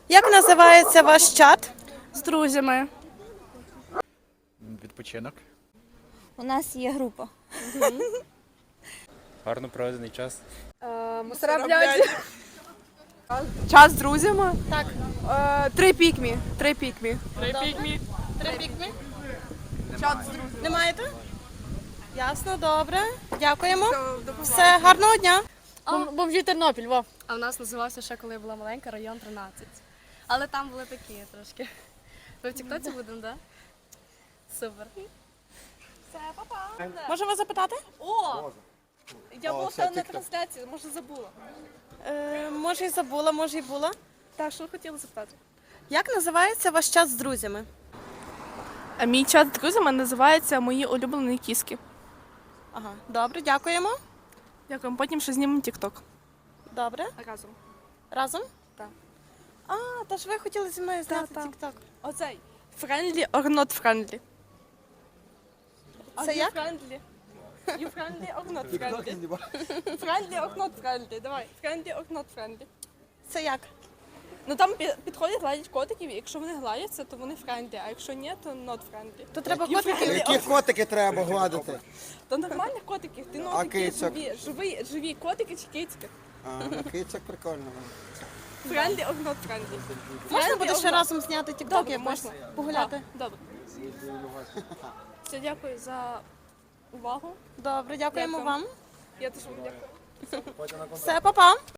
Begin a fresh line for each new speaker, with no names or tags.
Як називається ваш чат?
З друзями.
Відпочинок.
У нас є група.
Гарно проведений час.
Час з друзями.
Так.
Три пікмі. Три пікмі.
Три пікмі? Чат з друзями. Не маєте? Ясно, добре. Дякуємо. Все, гарного дня.
Бомжі Тернопіль, во.
А в нас називався ще, коли я була маленька, район 13. Але там були такі трошки. Ви в тіктоці будемо, так? Супер.
Можемо запитати?
Я була на трансляції, може забула.
Може і забула, може і була.
Так, що хотіла запитати?
Як називається ваш чат з друзями?
А мій чат з друзями називається Мої улюблені кіски.
Ага, добре, дякуємо.
Дякую. Потім ще знімемо тік-ток.
Добре.
Разом.
Разом?
Так.
А, та ж ви хотіли зі мною зняти
Так.
тік-ток.
Оцей. Friendly or not friendly?
Це як?
Friendly. You friendly or not friendly? Friendly or not friendly? Давай. Friendly or not friendly?
Це як?
Ну там підходять, гладять котиків, і якщо вони гладяться, то вони friendly, а якщо ні, то not friendly.
То треба котиків.
Які котики треба гладити?
То нормальних котиків, ти
А
такі
кицьок?
живі котики чи кицьки.
Кицяк прикольно.
Friendly or not friendly?
Можна
Friendly
буде
or
ще
not?
разом зняти тік-ток
Добре,
якось?
можна.
Погуляти?
Так, добре. Все, дякую за увагу.
Добре, дякуємо
Дякую.
вам.
Я теж вам дякую.
Все, па-па.